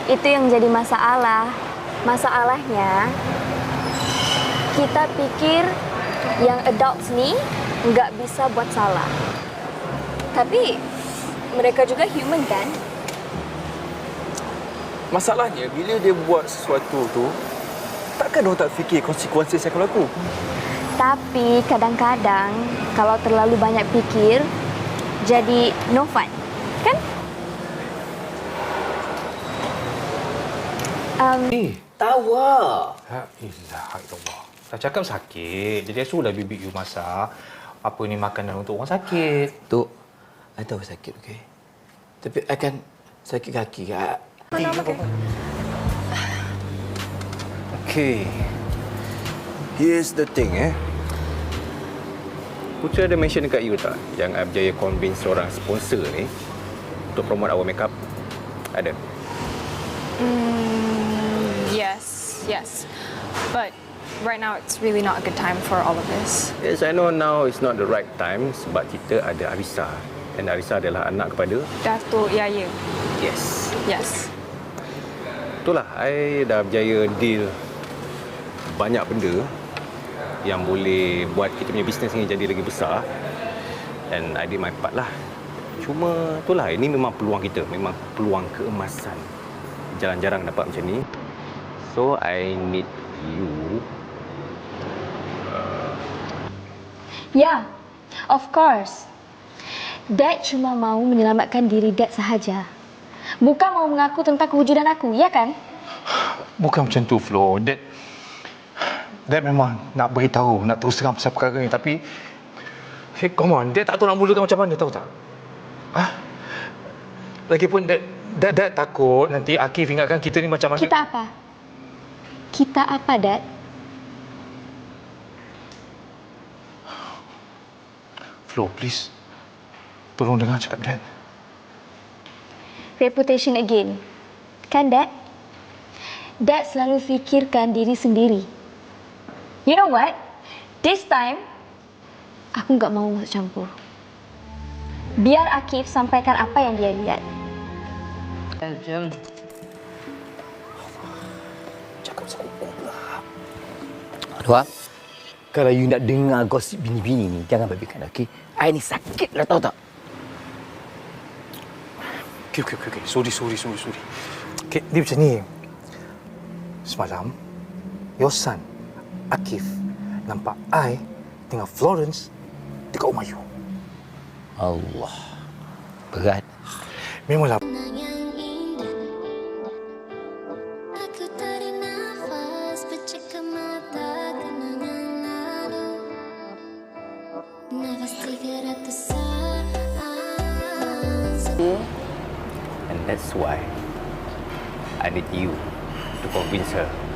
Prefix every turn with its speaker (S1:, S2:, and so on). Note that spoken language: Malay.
S1: Itu yang jadi masalah. Masalahnya, kita pikir yang adults ni nggak bisa buat salah. Tapi mereka juga human kan?
S2: Masalahnya, bila dia buat sesuatu tu, takkan dia tak fikir konsekuensi yang akan berlaku.
S1: Tapi kadang-kadang kalau terlalu banyak fikir, jadi no fun, kan?
S3: Tahu lah.
S4: Alhamdulillah. Dah cakap sakit. Jadi suruhlah bibi you masak. Apa ni makanan untuk orang sakit.
S3: Tok, I tahu sakit, okey? Tapi I kan sakit kaki, Kak.
S2: Okay. Here's the thing, Putera ada mention dekat you tak? Yang I berjaya convince seorang sponsor ni untuk promote our makeup? Ada?
S5: Yes. But right now it's really not a good time for all of this.
S2: Yes, I know now is not the right time sebab kita ada Arisa. Dan Arisa adalah anak kepada...
S5: Datuk Yaya.
S2: Yes.
S5: Yes.
S2: Itulah, I dah berjaya deal banyak benda yang boleh buat kita punya bisnes ni jadi lagi besar. And I did my part lah. Cuma itulah, ini memang peluang kita. Memang peluang keemasan. Jarang-jarang dapat macam ni. So, I need you.
S1: Ya, of course. Dad cuma mau menyelamatkan diri Dad sahaja. Bukan mau mengaku tentang kewujudan aku, ya kan?
S4: Bukan macam tu, Flo. Dad memang nak beritahu, nak terus terang pasal perkara ni. Tapi, hey, come on. Dad tak tahu nak mulakan macam mana, tahu tak? Lagipun, Dad takut nanti Akif ingatkan kita ni macam mana.
S1: Kita apa? Kita apa, Dad?
S4: Flo, please. Tolong dengar cakap Dad.
S1: Reputation again. Kan, Dad? Dad selalu fikirkan diri sendiri. You know what? This time, aku nggak mau masuk campur. Biar Akif sampaikan apa yang dia lihat.
S3: Cakap sekuku pula. Aduh, kalau you nak dengar gosip bini-bini ni, jangan babikan, okey? I ni sakit lah, tahu tak?
S4: Okey. Sorry. Okey, dia macam ni. Semalam, your son, Akif, nampak I dengan Florence dekat rumah you.
S3: Allah. Berat.
S4: Memanglah.
S6: Aku tarik nafas, pecahkan mata kenangan lalu. Nafas 300 saat.
S2: And that's why I need you to convince her